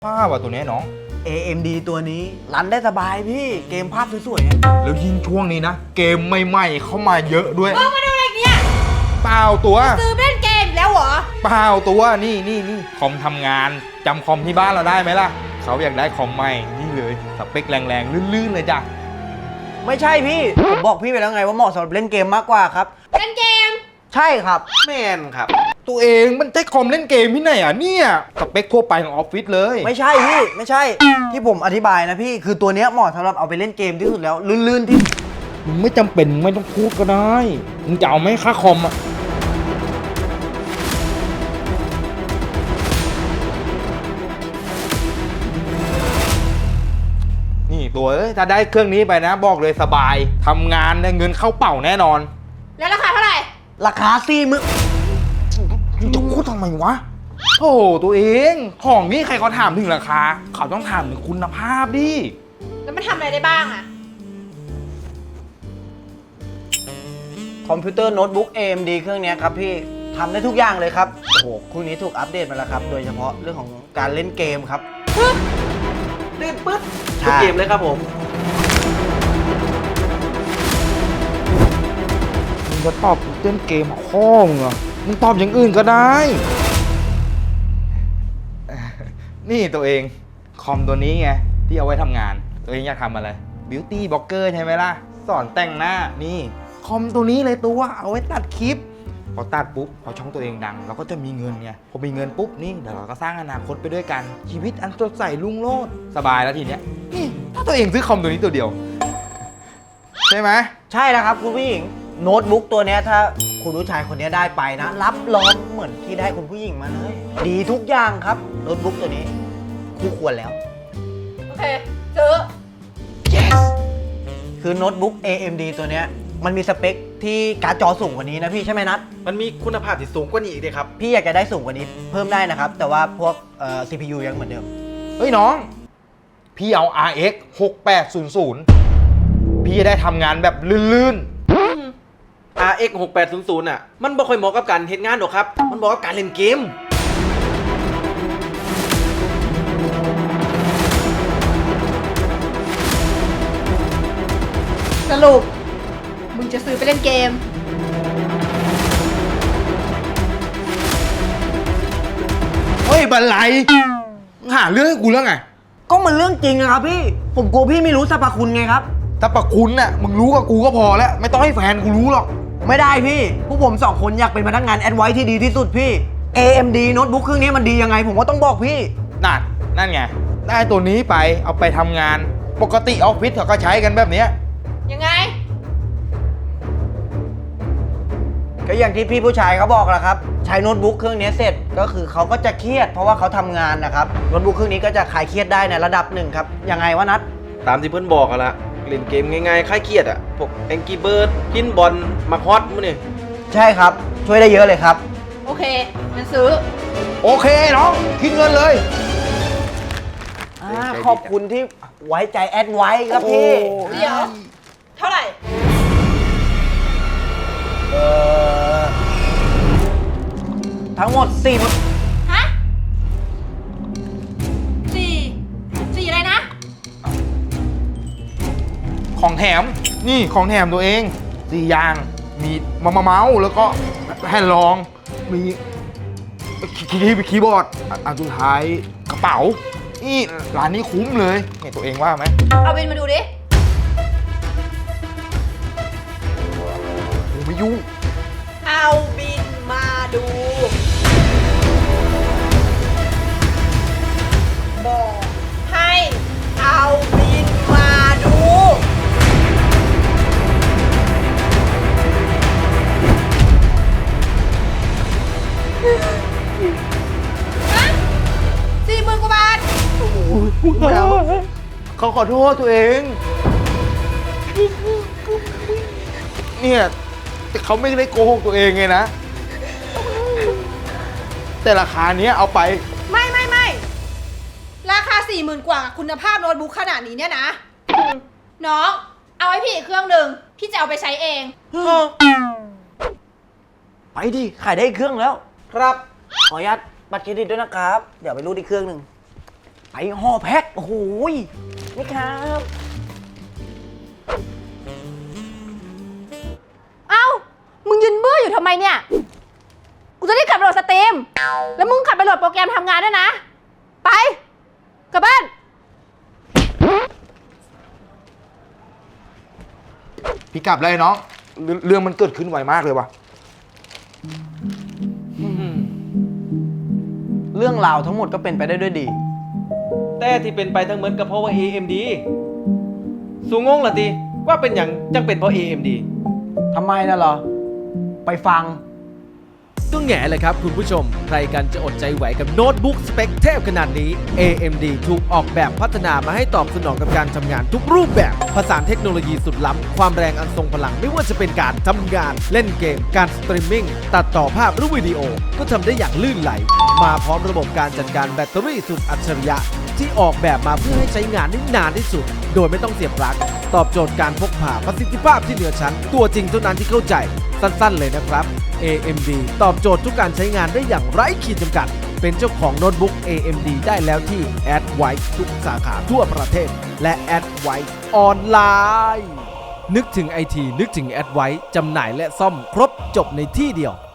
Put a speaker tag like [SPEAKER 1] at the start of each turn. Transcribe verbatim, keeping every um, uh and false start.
[SPEAKER 1] ภาพว่ะตัวนี้น้อง
[SPEAKER 2] เอ เอ็ม ดี ตัวนี้รันได้สบายพี่เกมภาพสวยๆ
[SPEAKER 1] แล้วยิ่งช่วงนี้นะเกมใหม่ๆเข้ามาเยอะด้วย
[SPEAKER 3] เออมาดูอะไรเนี่ย
[SPEAKER 1] เปล่าตัว
[SPEAKER 3] ซื้อเล่นเกมแล้วเหรอ
[SPEAKER 1] เปล่าตัวนี่นี่นี่คอมทำงานจำคอมที่บ้านเราได้ไหมล่ะเขาอยากได้คอมใหม่นี่เลยสเปคแรงๆลื่นๆเลยจ้ะ
[SPEAKER 2] ไม่ใช่พี่ผมบอกพี่ไปแล้วไงว่าเหมาะสำหรับเล่นเกมมากกว่าครับ
[SPEAKER 3] เล่นเกม
[SPEAKER 2] ใช่ครับ
[SPEAKER 1] แมนครับ ตัวเองมันใช้คอมเล่นเกมที่ไหนอ่ะเนี่ยสเปคทั่วไปของออฟฟิศเลย
[SPEAKER 2] ไม่ใช่พี่ไม่ใช่ที่ผมอธิบายนะพี่คือตัวเนี้ยเหมาะสำหรับเอาไปเล่นเกมที่สุดแล้วลื่นๆที่
[SPEAKER 1] มึงไม่จำเป็นไม่ต้องพูดก็ได้มึงจะเอาไหมค่าคอมอ่ะนี่ตัวเอ้ยถ้าได้เครื่องนี้ไปนะบอกเลยสบายทำงานได้เงินเข้าเป่าแน่นอน
[SPEAKER 3] แล้วราคาเท่าไหร่
[SPEAKER 2] ราคาสี่หมื่น
[SPEAKER 1] มึงจะพูดทำไมวะโอ้โหตัวเองของนี่ใครเขาถามถึงราคา เขาต้องถามถึงคุณภาพดิ
[SPEAKER 3] แล้วมันทำอะไรได้บ้างอะ
[SPEAKER 2] คอมพิวเตอร์โน้ตบุ๊ก เอ เอ็ม ดี เครื่องเนี้ยครับพี่ทำได้ทุกอย่างเลยครับโอ้โหเครื่องนี้ถูกอัปเดตมาแล้วครับโดยเฉพาะเรื่องของการเล่นเกมครับ
[SPEAKER 4] เล่นปึ๊ด
[SPEAKER 2] ใช่
[SPEAKER 4] ทุกเกมเลยครับผม
[SPEAKER 1] มึงจะตอบเล่นเกมข้อมึงเหรอมึงตอบอย่างอื่นก็ได้ นี่ตัวเองคอมตัวนี้ไงที่เอาไว้ทำงาน ตัวเองอยากทำอะไรบิวตี้บล็อกเกอร์ใช่ไหมล่ะสอนแต่งหน้านี่คอมตัวนี้เลยตัวเอาไว้ตัดคลิปพอตัดปุ๊บพอช่องตัวเองดังเราก็จะมีเงินไงพอมีเงินปุ๊บนี่เดี๋ยวเราก็สร้างอนาคตไปด้วยกันชีวิตอันสดใสรุ่งโรจน์สบายแล้วทีเนี้ยนี่ถ้าตัวเองซื้อคอมตัวนี้ตัวเดียวใช่ไหม
[SPEAKER 2] ใช่แล้วครับคุณผู้หญิงโน้ตบุ๊กตัวเนี้ยถ้าคุณผู้ชายคนเนี้ยได้ไปนะ รับรองเหมือนที่ได้คุณผู้หญิงมาเลยดีทุกอย่างครับโน้ตบุ๊กตัวนี้คู่ควรแล้ว
[SPEAKER 3] โอเค ซื้อ
[SPEAKER 2] yes คือโน้ตบุ๊ก เอ เอ็ม ดี ตัวเนี้ยมันมีสเปคที่การ์ดจอสูงกว่านี้นะพี่ใช่ไหมนัท
[SPEAKER 4] มันมีคุณภาพที่สูงกว่านี้อีกเลยครับ
[SPEAKER 2] พี่อยากจะได้สูงกว่านี้เพิ่มได้นะครับ แต่ว่าพวกเอ่อ ซี พี ยู ยังเหมือนเดิม
[SPEAKER 1] เฮ้ยน้อง พี่เอา อาร์ เอ็กซ์ หกแปดศูนย์ศูนย์ พี่จะได้ทำงานแบบลื่น
[SPEAKER 4] อาร์ เอ็กซ์ หกแปดศูนย์ศูนย์ อ่ะ มันบ่ค่อยเหมาะกับการเฮ็ดงานหรอกครับ มันเหมาะกับการเล่นเกม
[SPEAKER 3] สรุป มึงจะซื้อไปเล่นเกม
[SPEAKER 1] ๆ เฮ้ยบันไลมึงหาเรื่องให้กูเรื่องไง
[SPEAKER 2] ก็มันเรื่องจริงนะครับพี่ ผมกลัวพี่ไม่รู้สรรพคุณไงครับ
[SPEAKER 1] ถ้าประคุณน่ะมึงรู้กับกูก็พอแล้ว ไม่ต้องให้แฟนกูรู้หรอก
[SPEAKER 2] ไม่ได้พี่ พวกผมสองคนอยากเป็นพนักงานแอดไวท์ที่ดีที่สุดพี่ เอ เอ็ม ดี โน้ตบุ๊กเครื่องนี้มันดียังไง ผมก็ต้องบอกพี่
[SPEAKER 1] นั่น นั่นไง ได้ตัวนี้ไปเอาไปทำงาน ปกติออฟฟิศเขาก็ใช้กันแบบเนี้ย
[SPEAKER 3] ยังไง
[SPEAKER 2] ก็อย่างที่พี่ผู้ชายเขาบอกแหละครับ ใช้โน้ตบุ๊กเครื่องนี้เสร็จ ก็คือเขาก็จะเครียดเพราะว่าเขาทำงานนะครับ โน้ตบุ๊กเครื่องนี้ก็จะคลายเครียดได้ในระดับหนึ่งครับ ยังไงวะนัท
[SPEAKER 4] ตามที่เพื่อนบอกกันละเล่นเกมง่ายๆคลายเครียดอ่ะ พวก Angry Bird พินบอลมาฮอตมื้อนี่
[SPEAKER 2] ใช่ครับ ช่วยได้เยอะเลยครับ
[SPEAKER 3] โอเค มันซื้อ
[SPEAKER 1] โอเคน้องคิดเงินเลย
[SPEAKER 2] อ่าขอบคุณที่ไว้ใจแอดไว้ครับพี่
[SPEAKER 3] เดี๋ยว เท่าไหร่
[SPEAKER 2] เอ่อทั้งหมดสี่หมื่น
[SPEAKER 3] ฮะสี่สี่อะไรนะ
[SPEAKER 1] ของแถม นี่ของแถมตัวเองสี่อย่าง มีมามาเมาส์แล้วก็แผ่นรอง มีคีย์คีย์บอร์ดอันอันสุดท้ายกระเป๋า นี่ร้านนี้คุ้มเลยเนี่ยตัวเองว่าไหม
[SPEAKER 3] เอาบินมาดูดิ
[SPEAKER 1] กูไม่ยุ่ง
[SPEAKER 3] เอาบินมาดู บอกให้เอาบินมาดูฮะสี่หมื่นกว่าบาท
[SPEAKER 1] ไม่เอาเขาขอโทษตัวเอง เนี่ยแต่เขาไม่ได้โกหกตัวเองไงนะ แต่ราคาเนี้ยเอาไป
[SPEAKER 3] ไม่ไม่ไม่ราคาสี่หมื่นกว่าคุณภาพโน้ตบุ๊กขนาดนี้เนี่ยนะ น้อง เอาให้พี่อีกเครื่องหนึ่งพี่จะเอาไปใช้เอง
[SPEAKER 2] ไปดิ ขายได้อีกเครื่องแล้ว
[SPEAKER 4] ครับ
[SPEAKER 2] ขออนุญาตบัตรเครดิตด้วยนะครับ เดี๋ยวไปรูดอีกเครื่องหนึ่งไปห่อแพ็คโอ้โหยนี่ครับ
[SPEAKER 3] เอ้า มึงยืนเบื่ออยู่ทำไมเนี่ย กูจะได้กลับไปโหลดสตรีม แล้วมึงกลับไปโหลดโปรแกรมทำงานด้วยนะ ไป กลับบ้าน
[SPEAKER 1] พี่กลับเลยน้องเรื่องเรื่องมันเกิดขึ้นไวมากเลยว่ะ
[SPEAKER 2] เรื่องราวทั้งหมดก็เป็นไปได้ด้วยดี
[SPEAKER 4] แต่ที่เป็นไปทั้งหมดก็เพราะว่า เอ เอ็ม ดี สูงงละติว่าเป็นอย่างจังเป็นเพราะ เอ เอ็ม ดี
[SPEAKER 2] ทำไมนะเหรอ ไปฟัง
[SPEAKER 5] ก็แง่เลยครับคุณผู้ชม ใครกันจะอดใจไหวกับโน้ตบุ๊กสเปคเทพขนาดนี้ เอ เอ็ม ดี ถูกออกแบบพัฒนามาให้ตอบสนองกับการทำงานทุกรูปแบบ ผสานเทคโนโลยีสุดล้ำ ความแรงอันทรงพลังไม่ว่าจะเป็นการทำงาน เล่นเกม การสตรีมมิ่ง ตัดต่อภาพหรือวิดีโอ ก็ทำได้อย่างลื่นไหล มาพร้อมระบบการจัดการแบตเตอรี่สุดอัจฉริยะ ที่ออกแบบมาเพื่อให้ใช้งานได้นานที่สุด โดยไม่ต้องเสียบปลั๊กตอบโจทย์การพกพาประสิทธิภาพที่เหนือชั้น ตัวจริงเท่านั้นที่เข้าใจ สั้นๆเลยนะครับ เอ เอ็ม ดี ตอบโจทย์ทุกการใช้งานได้อย่างไร้ขีดจำกัด เป็นเจ้าของโน้ตบุ๊ก เอ เอ็ม ดี ได้แล้วที่ Adwise ทุกสาขาทั่วประเทศ และ Adwise ออนไลน์ นึกถึงไอทีนึกถึง Adwise จำหน่ายและซ่อมครบจบในที่เดียว